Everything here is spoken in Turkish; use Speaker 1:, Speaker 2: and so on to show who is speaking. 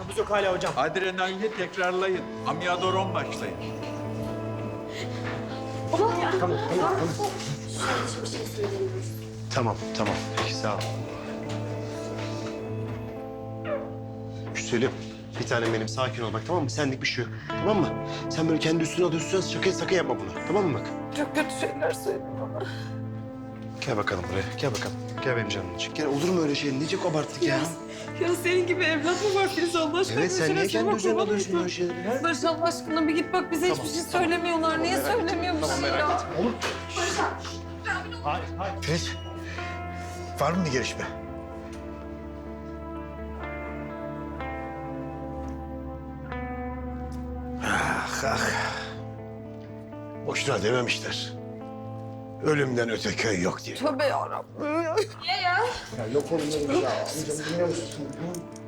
Speaker 1: nabız yok hala hocam.
Speaker 2: Adrenalini tekrarlayın. Amiodaron başlayın.
Speaker 3: Tamam, tamam. Peki, sağ ol. Güzelim. Bir tanem benim, sakin ol bak, tamam mı? Senlik bir şey yok, tamam mı? Sen böyle kendi üstüne alıyorsun, sakın yapma bunu. Tamam mı bak?
Speaker 4: Çok kötü şeyler söyledi bana.
Speaker 3: Gel bakalım buraya, gel bakalım. Gel benim canım için. Gel, olur mu öyle şey? Nece abarttık ya?
Speaker 4: Ya senin gibi evlat mı var Filiz Allah aşkına?
Speaker 3: Evet, sen niye kendi üzerine alıyorsun böyle şeyleri? Ha?
Speaker 4: Barış Allah aşkına bir git bak bize hiçbir şey söylemiyorlar. Niye söylemiyormuşsun ya?
Speaker 5: Filiz, var mı bir gelişme? Ah, ah. Boşuna dememişler. Ölümden öte köy yok diye.
Speaker 4: Tövbe yarabbim.
Speaker 5: Ya yok oğlum ya. Amcam dinliyor musun?